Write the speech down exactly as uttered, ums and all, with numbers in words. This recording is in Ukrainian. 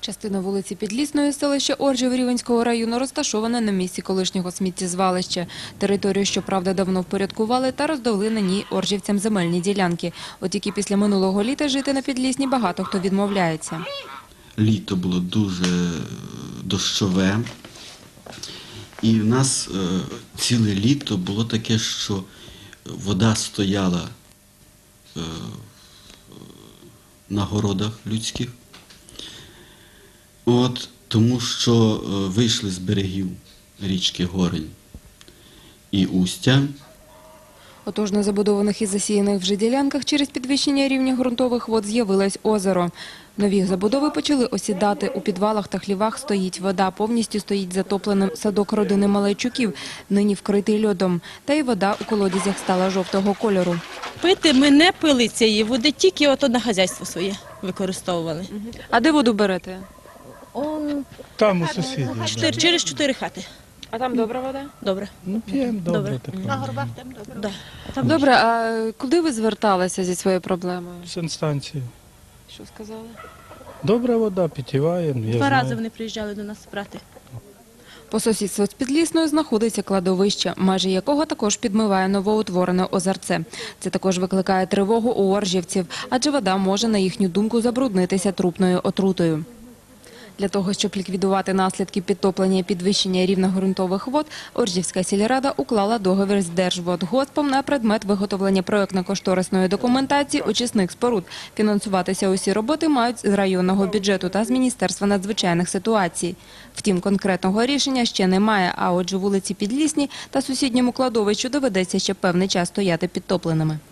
Частина вулиці Підлісної, селища Оржів Рівненського району, розташована на місці колишнього сміттєзвалища. Територію, щоправда, давно впорядкували та роздали на ній оржівцям земельні ділянки. От тільки після минулого літа жити на Підлісній багато хто відмовляється. Літо було дуже дощове. І в нас е, ціле літо було таке, що вода стояла е, на городах людських. От, тому що е, вийшли з берегів річки Горень і Устя. Отож, на забудованих і засіяних вже ділянках через підвищення рівня ґрунтових вод з'явилось озеро. Нові забудови почали осідати. У підвалах та хлівах стоїть вода, повністю стоїть затопленим садок родини Малайчуків, нині вкритий льодом. Та й вода у колодязях стала жовтого кольору. Пити ми не пили цієї води, тільки ото на хазяйство своє використовували. А де воду берете? Он Там у сусідів. чотири, через чотири хати. А там добра вода? Добре. Ну, п'ємо добре. Добре. таке. Да. Там Добре, а куди ви зверталися зі своєю проблемою? Санстанція. Що сказали? Добра вода, питєваємо. два рази вони приїжджали до нас брати. По сусідству з Підлісною знаходиться кладовище, межі якого також підмиває новоутворене озерце. Це також викликає тривогу у оржівців, адже вода може, на їхню думку, забруднитися трупною отрутою. Для того, щоб ліквідувати наслідки підтоплення і підвищення рівня ґрунтових вод, Оржівська сільрада уклала договір з Держводгоспом на предмет виготовлення проєктно-кошторисної документації очисних споруд. Фінансуватися усі роботи мають з районного бюджету та з Міністерства надзвичайних ситуацій. Втім, конкретного рішення ще немає, а отже вулиці Підлісні та сусідньому кладовищу доведеться ще певний час стояти підтопленими.